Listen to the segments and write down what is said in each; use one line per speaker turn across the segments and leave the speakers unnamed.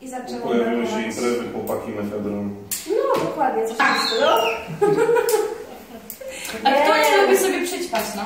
I zaczęło
pojawiły się imprezy, chłopaki, mefedron.
No, dokładnie, coś w stylu.
A kto nie lubi sobie przyćpać, no?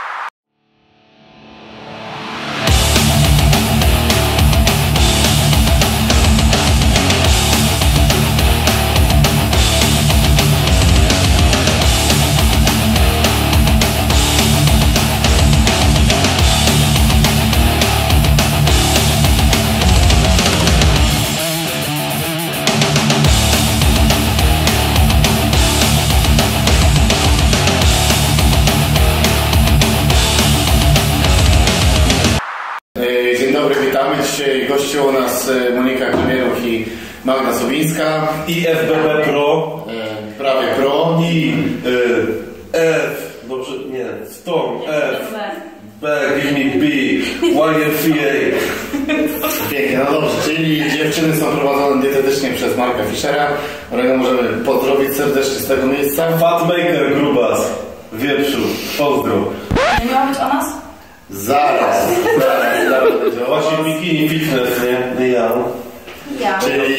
Dzisiaj gościu u nas Monika Klemieruch i Magda Sobińska.
I FBB Pro.
Prawie Pro.
I F. Dobrze, nie. Storm. F. B. Give me B. YFCA.
Pięknie, no dobrze. Czyli dziewczyny są prowadzone dietetycznie przez Marka Fischera, którego możemy pozdrowić serdecznie z tego miejsca.
Fatmaker Grubas. Wieprzu. Pozdro.
Nie miało być o nas?
Zaraz będzie o
Właśnie bikini fitness, nie? Ja.
Czyli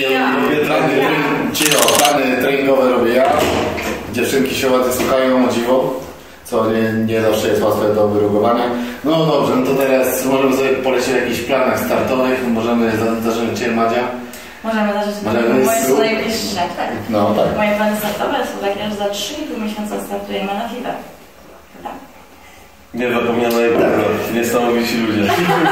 plany treningowe robię ja. Dziewczynki się ładnie słuchają, o dziwo. Co nie zawsze jest łatwe do wyrugowania. No dobrze, no to teraz możemy sobie polecieć w jakichś planach startowych. Możemy zacząć Cię, Madzia.
Możemy zacząć moje są najbliższe. Tak.
No tak.
Moje plany startowe są takie, że za 3,5 miesiąca startujemy na FIBE. Prawda?
Nie zapomniano jej prawda. Niesamowici ludzie.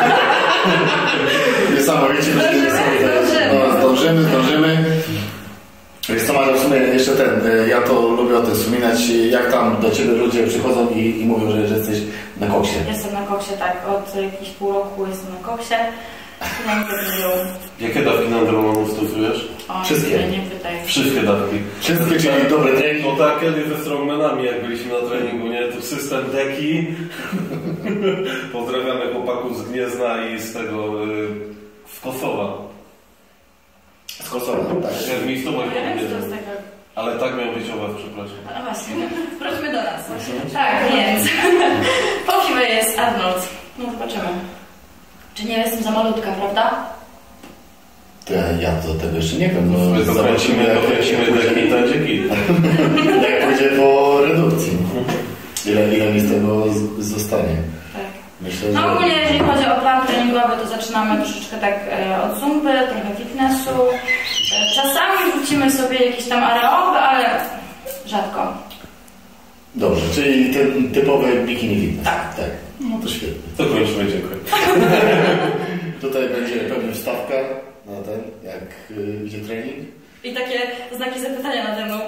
Niesamowici ludzie. Zdążymy. Wiesz co, Maria, w sumie jeszcze ja to lubię o tym wspominać, jak tam do Ciebie ludzie przychodzą i mówią, że jesteś na koksie.
Jestem na koksie, tak. Od jakiegoś pół roku jestem na koksie.
Jakie dawki na Andromonów stosujesz?
Wszystkie.
Nie pytaj.
Wszystkie dawki.
Wszystkie, czyli dobre trening.
No tak, kiedyś ze strongmanami, jak byliśmy na treningu, nie? To system deki. Pozdrawiamy chłopaków z Gniezna i z tego z Kosowa.
Z Kosowa, tak.
Jak mi stomach
z tego.
Ale tak miał być owa, przepraszam.
A właśnie, wróćmy do nas. Tak, więc po FIBE jest Arnold. No zobaczymy. Czy nie jestem za malutka, prawda?
Ja do tego jeszcze nie wiem.
No, zobaczymy deki, to będzie git.
Jak pójdzie po redukcji. Ile mi z tego zostanie?
Tak.
Myślę,
no ogólnie jeżeli chodzi o plan treningowy, to zaczynamy troszeczkę tak od zumpy, trochę fitnessu. Czasami wrzucimy sobie jakieś tam aeroby, ale rzadko.
Dobrze, czyli ten typowy bikini fitness.
Tak.
No to świetnie.
To kończymy, dziękuję.
Tutaj będzie pewnie wstawka na ten, jak idzie trening.
I takie znaki zapytania nade mną.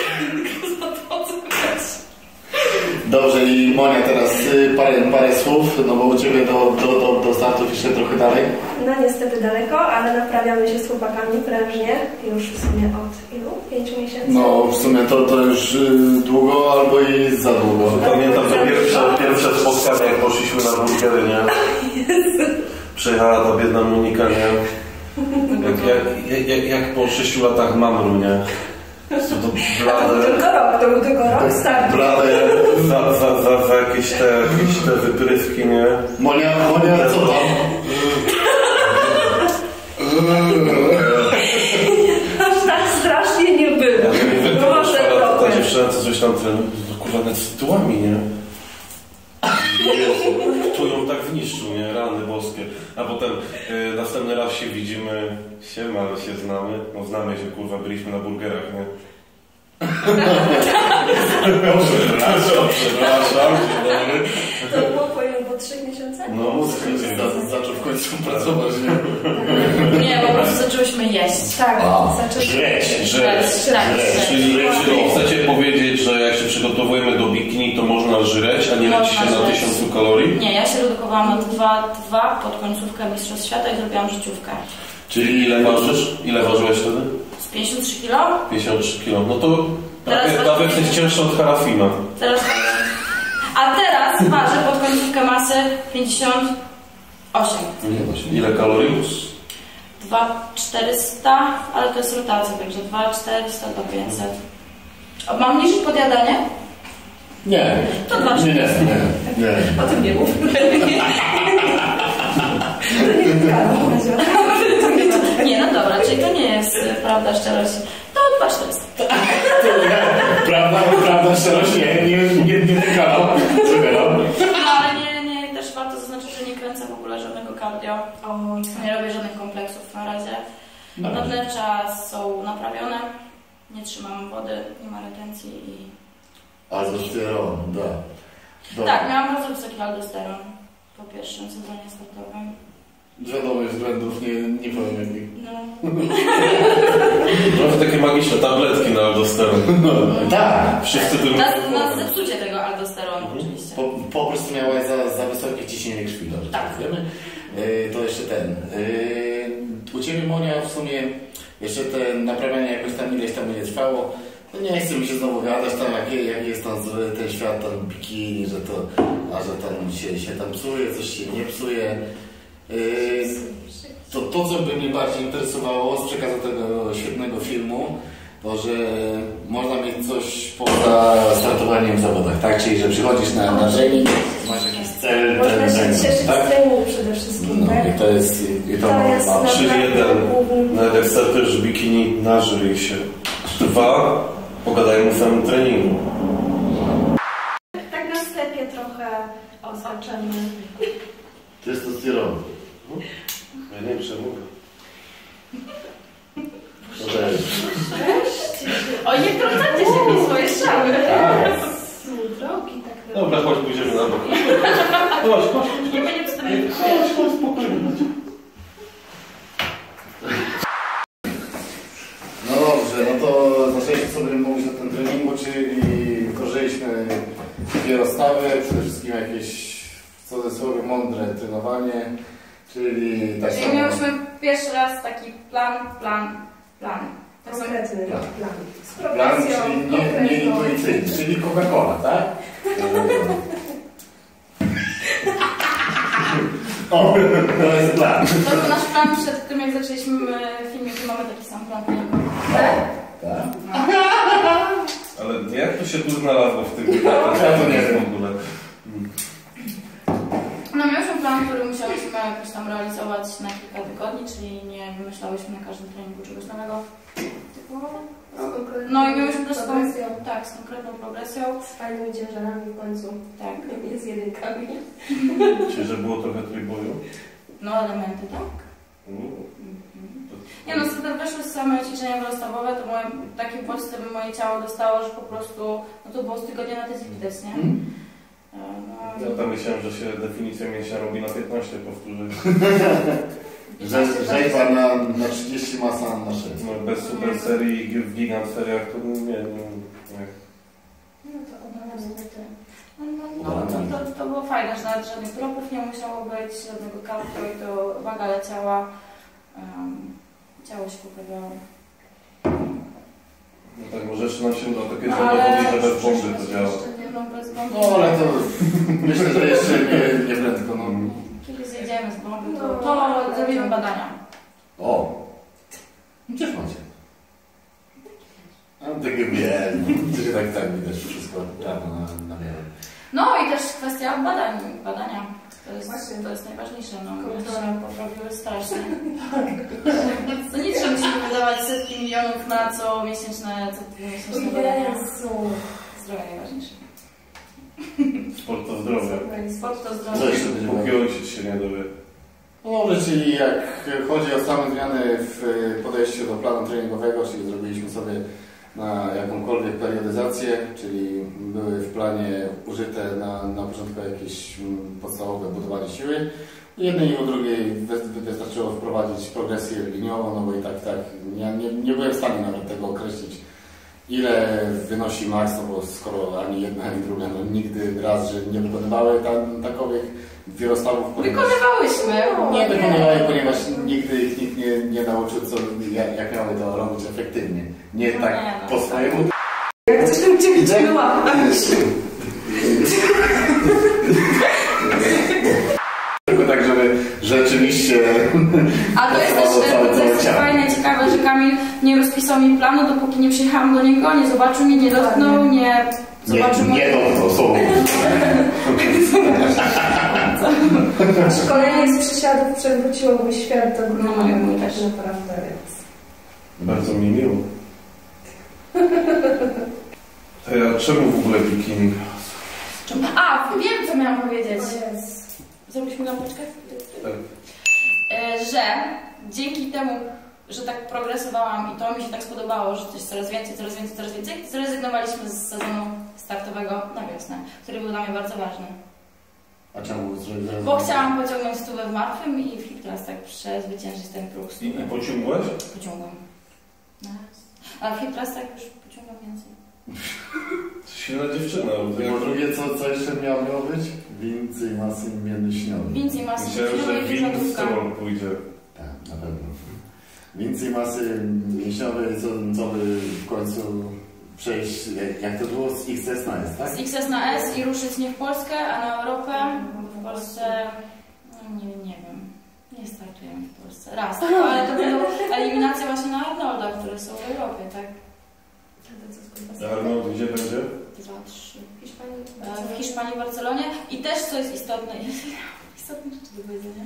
Dobrze, i Monia teraz parę słów, no bo u Ciebie do startów jeszcze trochę dalej.
No niestety daleko, ale naprawiamy się z chłopakami prężnie, już w sumie od ilu? 5 miesięcy?
No w sumie to już długo albo i za długo.
Pamiętam to pierwsze spotkanie, jak poszliśmy na burgery, nie? Przyjechała ta biedna Monika, nie? Jak po 6 latach mamru, nie? To blade.
To był tylko rok startu.
Blade za jakieś te wyprywki, nie?
Monia, co tam?
Aż tak strasznie nie było.
Ta dziewczyna co coś tam kurwa nawet z tyłami, nie? To ją tak wniszczył, nie? Rany boskie. A potem następny raz się widzimy, siema, się znamy. No znamy się, kurwa, byliśmy na burgerach, nie? Przepraszam.
To było po 3 miesiącach?
No, zaczął w końcu pracować, nie?
Nie, po prostu zaczęłyśmy jeść.
Tak,
żreć.
Czyli chcecie powiedzieć, że jak się przygotowujemy do bikini, to można żreć, a nie leci się na 1000 kalorii?
Nie, ja się redukowałam na 2 pod końcówkę Mistrzostw Świata i zrobiłam życiówkę.
Czyli ile ważysz? Ile ważyłeś wtedy?
Z 53 kg?
53 kg. No to prawie jesteś cięższa od Harafima.
A teraz ważę pod końcówkę masy 58.
Ile kalorii?
2400, ale to jest rotacja, także 2400 do 500. Mam niższe podjadanie?
Nie.
To 2400.
Nie.
O tym nie mów.
Nie, no dobra, czyli to nie jest prawda, szczerość. To 2400.
Prawda, szczerość, nie kanał.
No ale nie, też warto zaznaczyć, że nie kręcę w ogóle żadnego cardio. Nie robię żadnych kompleksów na razie. Nadnercza są naprawione. Nie trzymam wody, nie ma retencji i...
Aldosteron, da.
Tak, miałam bardzo wysoki aldosteron po pierwszym sezonie startowym.
Z wiadomych względów, nie powiem jakich.
No.
Trochę takie magiczne tabletki na aldosteron.
Tak.
Wszyscy tym
Na zepsucie tego aldosteronu oczywiście.
Po prostu miałeś za wysokie ciśnienie krwi, dobrze?
Tak.
Wiemy? To jeszcze ten. U Ciebie, Monia, w sumie jeszcze te naprawianie jakoś tam ileś tam nie trwało. No nie chcę mi się znowu gadać tam, jak jest tam zły ten świat, tam bikini, że tam się tam psuje, coś się nie psuje. To co by mnie bardziej interesowało z przekazu tego świetnego filmu, to że można mieć coś poza startowaniem w zawodach, tak? Czyli że przychodzisz na trening, masz jakiś cel,
można się cieszyć
tak?
z treningu przede wszystkim, tak?
I to jest ma
3-1. Nawet jak startujesz w bikini, nażyj się. 2. Pogadajmy o samym treningu.
Tak na wstępie trochę oznaczymy.
Testosteron.
Ja nie przemówię.
O, nie wtrącacie się w swoje strzały.
Drogi, tak
Dobra, chodź, pójdziemy na bok. Chodź.
Nie będzie wstępnie.
Chodź, spokojnie.
No dobrze, no to zaczęliśmy sobie mówić o tym treningu, czyli korzyliśmy dwie rozstawy, przede wszystkim jakieś w cudzysłowie mądre trenowanie, czyli tak
Czyli
samo...
miałyśmy pierwszy raz taki plan. Tak samo.
konkretny plan. Z
Plan,
progresją,
czyli nie intuicyjny, czyli Coca-Cola, tak? O, to jest plan.
To był nasz plan przed tym, jak zaczęliśmy filmik, że mamy taki sam plan treningowy.
Tak?
Ale jak to się tu znalazło w tym
Ja to nie wiem.
w ogóle?
No mieliśmy plan, który musiałyśmy jakoś tam realizować na kilka tygodni, czyli nie wymyślałyśmy na każdym treningu czegoś nowego. No i mieliśmy też z konkretną progresją.
Z fajnymi ciężarami w końcu.
Tak.
Nie z jedynkami.
Czyli, że było trochę trójboju?
No elementy, tak. Nie no, weszły same ćwiczenia rozstawowe, to taki bodźce by moje ciało dostało, że po prostu, no to było z tygodnia na tydzień widać, nie? No,
Ja tam myślałem, że się definicja mięśnia robi na 15 powtórzeń.
Rzeźba na 30, masa na 6.
No, bez super serii w gigant seriach to nie.
No to obalamy
to było fajne, że nawet żadnych dropów nie musiało być, żadnego cardio i to waga leciała, ciało się poprawiało.
No tak, może jeszcze nam się uda takie zawodnicze, że bez bomby to działa.
No, bez bomby.
No ale to myślę, że jeszcze nie prędko. No.
Kiedy zjedziemy z bomby, to zrobimy badania.
O! Gdzież macie? Mam takie wiem. To się tak widać wszystko prawo na miarę.
No i też kwestia badania. To jest najważniejsze. No, się poprawiły strasznie. To nic, że musimy wydawać setki milionów na co miesięczne badania. Zdrowie najważniejsze.
Sport to zdrowie.
Sport to
Co
zdrowie.
jeszcze będzie
Póki ojciec się nie dowie.
No dobrze, czyli jak chodzi o same zmiany w podejściu do planu treningowego, czyli zrobiliśmy sobie na jakąkolwiek periodyzację, czyli były w planie użyte na początku jakieś podstawowe budowanie siły. U jednej i u drugiej wystarczyło wprowadzić progresję liniową, no bo i tak nie byłem w stanie nawet tego określić, ile wynosi maks, no bo skoro ani jedna, ani druga nigdy raz, że nie wykonywały takowych wielostawów.
Wykonywałyśmy.
Nie wykonywały, ponieważ nigdy ich nikt nie nauczył, jak miały to robić efektywnie. Nie
No
tak
nie, no.
po swojemu.
Jak coś tam cię wyciągnęła.
Tylko tak, żeby rzeczywiście...
A to jest też fajne, ciekawe, że Kamil nie rozpisał mi planu, dopóki nie przyjechałam do niego, nie zobaczył mnie, nie dotknął, nie zobaczył
Nie dotknął słowo.
bardzo.
Szkolenie z przysiadów przewróciło mój świat do góry.
No, mój też.
Naprawdę, więc...
Bardzo mi miło. A czemu w ogóle bikini?
A, wiem co miałam powiedzieć. Zrobiliśmy lampeczkę?
Tak.
Że dzięki temu, że tak progresowałam i to mi się tak spodobało, że coś coraz więcej, zrezygnowaliśmy z sezonu startowego na wiosnę, który był dla mnie bardzo ważny.
A czemu?
Bo chciałam pociągnąć stówę w martwym i w teraz tak przezwyciężyć ten próg stówy.
I pociągłaś?
Pociągam. A w teraz tak już pociągam więcej.
Silna dziewczyna.
Po drugie, co jeszcze miało być? Więcej masy mięśniowej.
Więcej masy
Myślałem, że winstrol pójdzie.
Tak, na pewno. Więcej masy mięśniowej, co by w końcu przejść, jak to było, z XS na S, tak?
Z XS na S i ruszyć nie w Polskę, a na Europę. W Polsce, no nie wiem, nie startujemy w Polsce. Raz, ale to będą eliminacje właśnie na Arnolda, które są w Europie, tak?
Arnold gdzie będzie?
2, 3. W Hiszpanii, w Barcelonie. I też co jest istotne, istotne rzeczy do powiedzenia.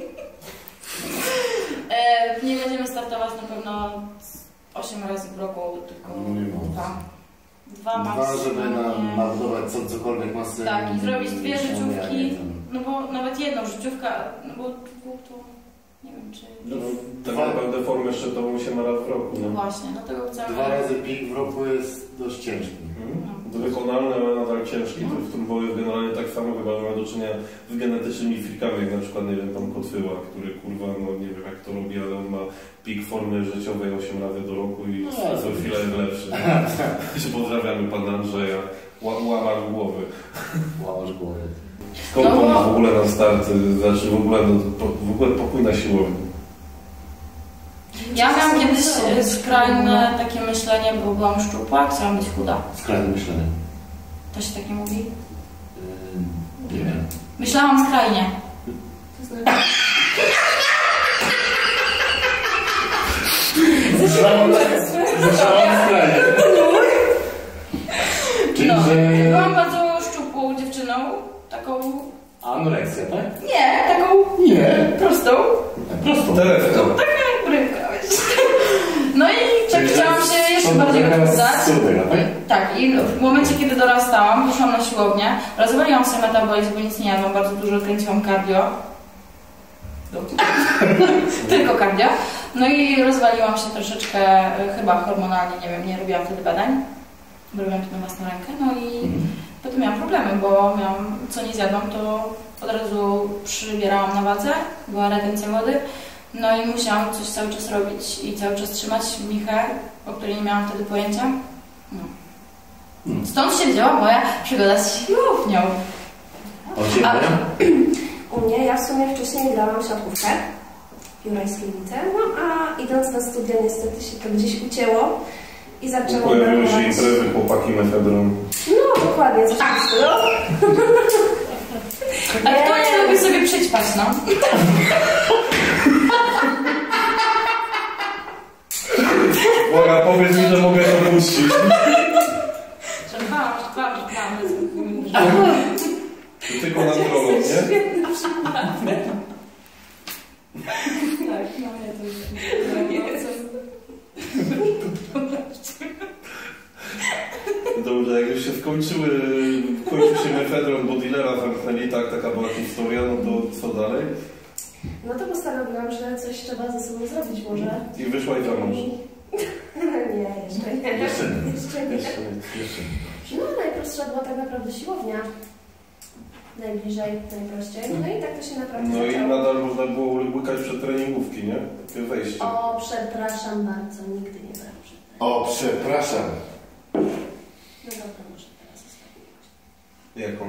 Nie będziemy startować na pewno 8 razy w roku, tylko 2. 2
żeby nabudować cokolwiek masy.
Tak, i zrobić 2 życiówki, no bo nawet jedną życiówkę, no bo to nie wiem czy...
No, tak naprawdę formę szczytową się ma raz w roku.
No właśnie, dlatego chcemy...
2 razy pik w roku jest dość ciężki.
To wykonalne, ale nadal ciężki. To w tym boju generalnie tak samo chyba ma do czynienia z genetycznymi frikami, jak na przykład, nie wiem, tam Kotwyła, który kurwa, no nie wiem jak to robi, ale on ma pik formy życiowej 8 razy do roku i co chwilę jest lepszy. Pozdrawiamy pana Andrzeja. Łamacz głowy.
Łamacz głowy.
Skąd on ma w ogóle na start, znaczy w ogóle pokój na siłowni?
Ja miałam kiedyś skrajne takie myślenie, bo byłam szczupła, chciałam być chuda.
Skrajne myślenie.
To się tak nie mówi?
Nie wiem.
Myślałam skrajnie.
Myślałam skrajnie. Czyli,
No,
że...
byłam bardzo szczupłą dziewczyną, taką...
Anoreksja, tak?
Nie, taką...
Nie.
Prostą.
Prostą.
Telefon.
Taka jak rybka, wiesz. No i tak chciałam się jeszcze bardziej odchudzać. Tak, i w momencie, kiedy dorastałam, poszłam na siłownię, rozwaliłam sobie metabolizm, bo nic nie jadłam, bardzo dużo kręciłam cardio. Tylko cardio. No i rozwaliłam się troszeczkę, chyba hormonalnie, nie wiem, nie robiłam wtedy badań. Robiłam to na własną rękę, no i potem miałam problemy, bo co nie zjadłam, to od razu przybierałam na wadze, była retencja wody. No i musiałam coś cały czas robić i cały czas trzymać michę, o której nie miałam wtedy pojęcia. No. Stąd się wzięła moja przygoda z siłownią.
U mnie, ja w sumie wcześniej grałam siatkówkę w Jurajskiej Lice, no a idąc na studia niestety się to gdzieś ucięło i zaczęłam
pojawiły się imprezy, chłopaki, mefedron.
No dokładnie, coś w stylu.
A kto nie lubi sobie przyćpać, no?
Boga, powiedz mi, że mogę to puścić.
Żartowałam.
Tylko na drogą, nie?
Tak, no nie, to już
Dobrze, jak już się kończył się mefedron, bo dealera zamknęli, tak, taka była historia, no to co dalej?
No to postanowiłam, że coś trzeba ze sobą zrobić może.
I wyszła i za mąż.
Nie, jeszcze nie. No najprostsza była tak naprawdę siłownia. Najbliżej, najprościej. No i tak to się naprawdę
No
zaczęło.
i nadal można było łykać przed treningówki, nie? Takie wejście.
O, przepraszam bardzo, nigdy nie brałam przed treningówki.
O, przepraszam.
No dobra, może teraz zostawię.
Jaką?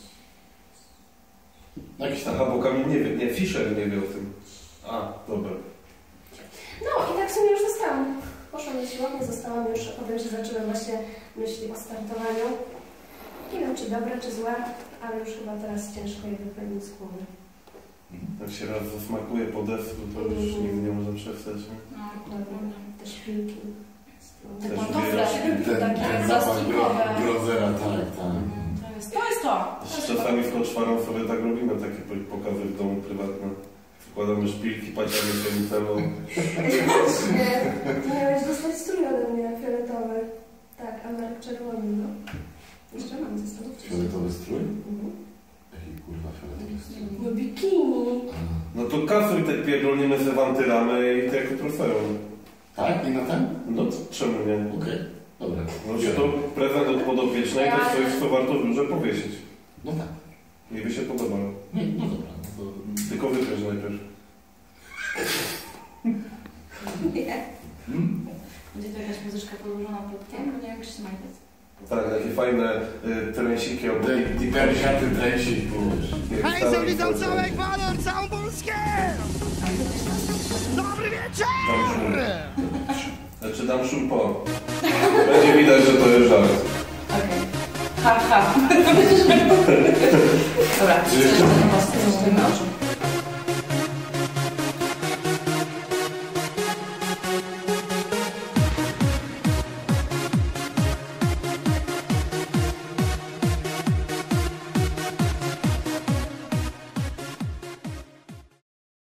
Jakiś tam.
Aha, bo Kamil nie wie, nie, Fischer nie wie o tym. A, dobra.
No i tak w sumie już zostałam. Poszłam na siłownię, zostałam już, potem się zaczęły właśnie myśli o startowaniu. Nie wiem, czy dobre, czy złe, ale już chyba teraz ciężko je wypełnić z głowy.
Jak się raz zasmakuje po desku, to już nigdy nie można przestać, nie?
No, dokładnie.
Te szpilki.
Te
Też
pantofle,
wiesz,
takie plastikowe.
Grozera, tak.
To jest to.
Czasami w Koczwarą sobie tak robimy, takie pokazy w domu prywatne. Wkładamy szpilki, paciamy się nutellą.
Właśnie, ty miałeś dostać strój ode mnie, fioletowy. Tak, a Marek czerwony, no. Jeszcze mam ze sobą wcześniej.
Fioletowy strój?
Mhm.
Jaki kurwa fioletowy strój?
No bikini.
No to kasuj te pierdolnimy sobie wantyramy i to jako trofeum.
Tak? I na ten?
No to czemu nie?
Okej, dobra.
No to prezent od podopiecznej, to coś, co warto w biurze powiesić.
No tak.
Mi by się podobało.
No dobra. No to...
Tylko wypiesz najpierw.
Nie.
Będzie to jakaś muzyczka podłożona plotkiem? Bo nie wiem, jak się znajdzie.
Tak, takie fajne trensiki albo...
Dipersiaty trensik,
Hej, witam cały Ekwador, całą Polskę! Dobry wieczór!
Znaczy dam szum po. Będzie widać, że to jest żart.
Okej. Ha, ha. Dobra, co jeszcze? Oczu.